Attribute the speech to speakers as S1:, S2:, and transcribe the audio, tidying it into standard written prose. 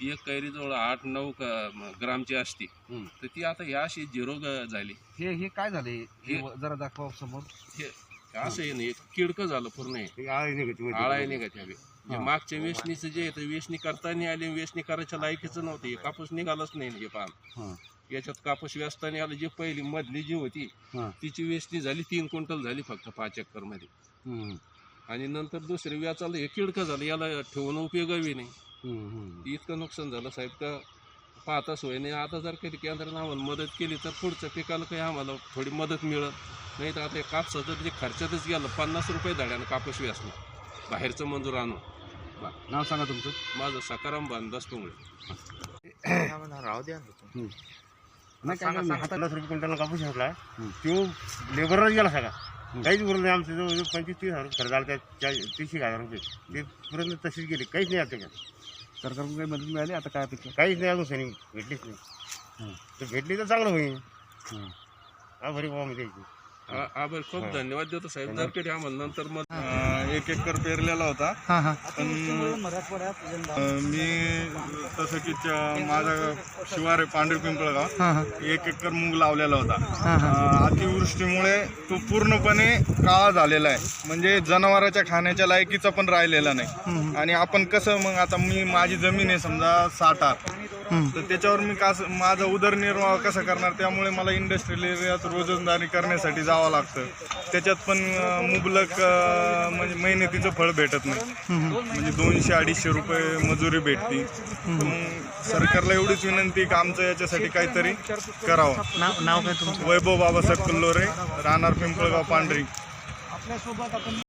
S1: एक कैरी जवळ 8-9 ग्रामची असते, तर ती आता ह्या अशी 0 झाली.
S2: हे काय झाले जरा दाखवा समोर.
S1: हे असं आहे ना, एक किडकं झालं पूर्ण. आळाय निघत हवे. मागच्या वेचणीचं जे आहे वेचणी करताना आले, वेचणी करायच्या लायकीचं नव्हतं. हे कापूस निघालाच नाही. हे पान याच्यात कापूस वेचताना आलं. जी पहिली मधली जी होती तिची वेचणी झाली 3 क्विंटल झाली फक्त 5 एकर मध्ये. आणि नंतर दुसरे व्याचाला हे किडकं झालं. याला ठेवून उपयोगही नाही. इतकं नुकसान झालं साहेब का पाहता सोय नाही. आता जर कधी केंद्राने आम्हाला मदत केली तर पुढच्या पिकाला काही आम्हाला थोडी मदत मिळत. नाही तर आता कापसाचं जे खर्चातच गेलं. 50 रुपये धड्यानं कापूस वेचणं बाहेरचं मंजूर आणून.
S2: नाव सांगा तुमचं.
S1: माझं सकाराम बांधास टोंगळे.
S3: राहू द्या.
S2: नाही काय
S4: 50 रुपये क्विंटल कापूस घेतला. तो लेबरच गेला सगळा. काहीच उरलं नाही. आमचं जवळ 25-30 हजार खर्च झाला. त्या 30,000 रुपये ते पूर्ण तशीच गेले. काहीच नाही आता.
S2: सरकारकडून काही मदत मिळाली आता काय अपेक्षा.
S4: काहीच नाही अजून सनी भेटलीच नाही. तर भेटली तर चांगलं होईल. आभारी बाबा मी द्यायची.
S1: आभार खूप धन्यवाद देतो साहेब. जर कधी आम्हाला नंतर मग
S5: 1 एकर पेरलेला होता. पण मी तसं की माझा शिवार आहे पांढरी पिंपळगाव. 1 एकर मूग लावलेला होता. अतिवृष्टीमुळे तो पूर्णपणे काळा झालेला आहे. म्हणजे जनावरांच्या खाण्याच्या लायकीचा पण राहिलेला नाही. आणि आपण कसं मग आता माझी जमीन आहे समजा 6 आर, तर त्याच्यावर मी माझा उदरनिर्वाह कसा करणार. त्यामुळे मला इंडस्ट्रियल एरियात रोजंदारी करण्यासाठी जावं लागतं. त्याच्यात पण मुबलक म्हणजे मेहनतीचं फळ भेटत नाही. म्हणजे 200-250 रुपये मजुरी भेटती. सरकारला एवढीच विनंती की आमचं याच्यासाठी काहीतरी करावं.
S3: नाव काय तुमचं.
S5: वैभव बाबासाहेब कल्लोरे, राहणार पिंपळगाव पांढरी.